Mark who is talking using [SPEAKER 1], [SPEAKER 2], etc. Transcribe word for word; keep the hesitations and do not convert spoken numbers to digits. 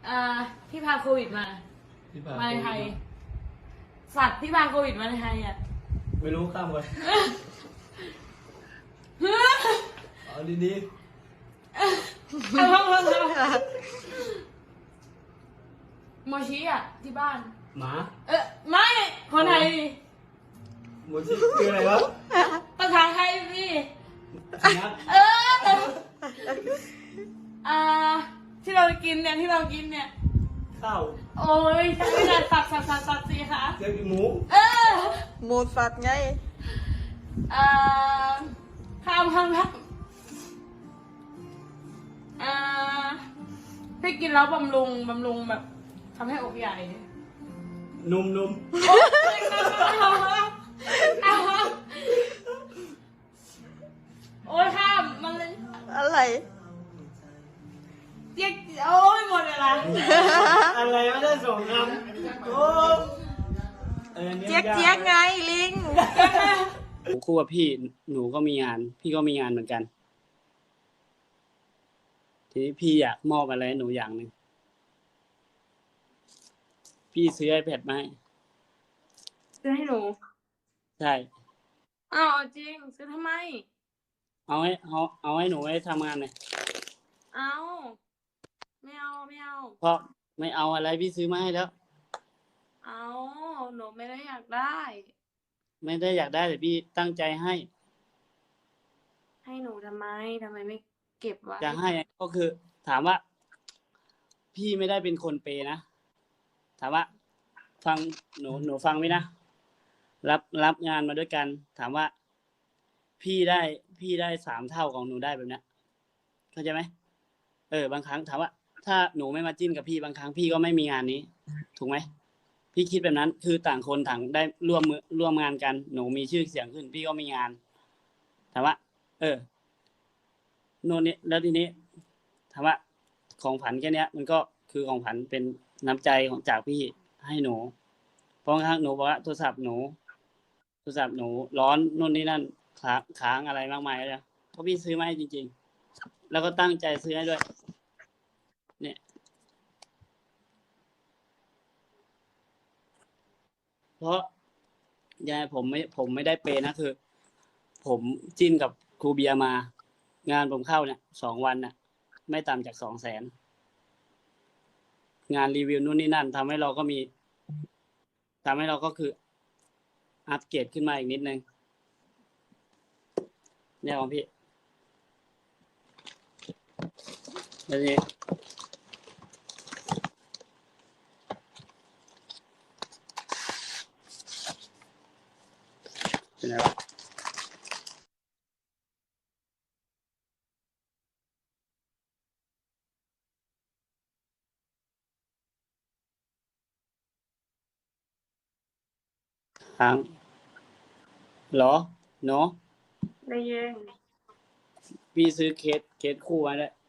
[SPEAKER 1] อ่าที่พาโควิดมา
[SPEAKER 2] ที่พา
[SPEAKER 1] มาในไทย สัตว์ที่พาโควิดมาในไทยอ่ะ
[SPEAKER 2] ไม่รู้ข้ามไปเอาดี
[SPEAKER 1] โมชิอ่ะที่บ้าน
[SPEAKER 2] ๆหมา
[SPEAKER 1] เออไม่คนไทยดิ
[SPEAKER 2] โมชิคืออะไรวะ
[SPEAKER 1] ภาษาไทยพี่
[SPEAKER 2] สุนัข
[SPEAKER 1] เอออ่าที่เรากินเนี่ยที่เรากินเนี่ย
[SPEAKER 2] ข้าว
[SPEAKER 1] โอ้ยใช่ไม่ได้สับสับสับสับสิคะ
[SPEAKER 2] เจ้าหมู
[SPEAKER 1] เออ
[SPEAKER 3] หมูสัตว์ไง
[SPEAKER 1] อ่าข้ามข้ามข้ามอ่าที่กินแล้วบำรุงบำรุงแบบทำให้อกใหญ่
[SPEAKER 2] นุ่มนุ่ม
[SPEAKER 1] โอ๊ยโอ๊ยข้ามมันเลย
[SPEAKER 3] อะไร
[SPEAKER 1] เจ๊กโอ้ยหมดเวลา
[SPEAKER 2] อะไรไม่ได้สองคำโอ้เออนี่
[SPEAKER 3] เจี๊ยกเจี๊ยกไงลิง
[SPEAKER 4] คู่กับพี่หนูก็มีงาน พี่ก็มีงานเหมือนกัน ทีนี้พี่อยากมอบอะไรให้หนูอย่างหนึ่งพี่ซื้อไอแพดมาให้
[SPEAKER 1] ซื้อให้หนู
[SPEAKER 4] ใช่
[SPEAKER 1] อ้าวจริงซื้อทำไม
[SPEAKER 4] เอาให้เอาเอาให้หนูไว้ทำงานเลย
[SPEAKER 1] เอาไม่เอาไม่เอา
[SPEAKER 4] เพราะไม่เอาอะไรพี่ซื้อมาให้แล้ว
[SPEAKER 1] เอาหนูไม่ได้อยากได้
[SPEAKER 4] ไม่ได้อยากได้แต่พี่ตั้งใจให้
[SPEAKER 1] ให้หนูทำไมทำไมไม่เก็บไว้
[SPEAKER 4] จะให้ก็คือ ถามว่า พี่ไม่ได้เป็นคนเปย์นะถามว่า ฟังหนูหนูฟังไหมนะรับรับงานมาด้วยกัน ถามว่า พี่ได้พี่ได้สามเท่าของหนูได้แบบเนี้ยเข้าใจไหมเออบางครั้งถามว่า ถ้าหนูไม่มาจิ้นกับพี่บางครั้งพี่ก็ไม่มีงานนี้ ถูกไหมพี่คิดแบบนั้น คือต่างคนต่างได้ร่วมมือร่วมงานกัน หนูมีชื่อเสียงขึ้น พี่ก็มีงานถามว่า เออโน่นนี่แล้วทีนี้ถามว่าของผันแค่เนี้ย มันก็คือของผันเป็นน้ำใจของจากพี่ให้หนูเพราะบางครั้งหนูบอกว่าโทรศัพท์หนู โทรศัพท์หนูร้อนโน่นนี่นั่นค้างค้างอะไรมากมายเลยเพราะพี่ซื้อมาให้จริงๆแล้วก็ตั้งใจซื้อให้ด้วย เนี่ย เพราะยายผมไม่ผมไม่ได้เปย์นะคือ ผมจิ้นกับครูเบียร์มา งานผมเข้าเนี่ยสองวันน่ะ ไม่ต่ำจากสองแสนงานรีวิวนู่นนี่นั่นทำให้เราก็มีทำให้เราก็คือ อัปเกรดขึ้นมาอีกนิดนึงเนี่ยของพี่แล้วนี่เป็นไงวะค้างเหรอเนาะ
[SPEAKER 1] ได้ยิน
[SPEAKER 4] พี่ซื้อเคสเคสคู่มาด้วย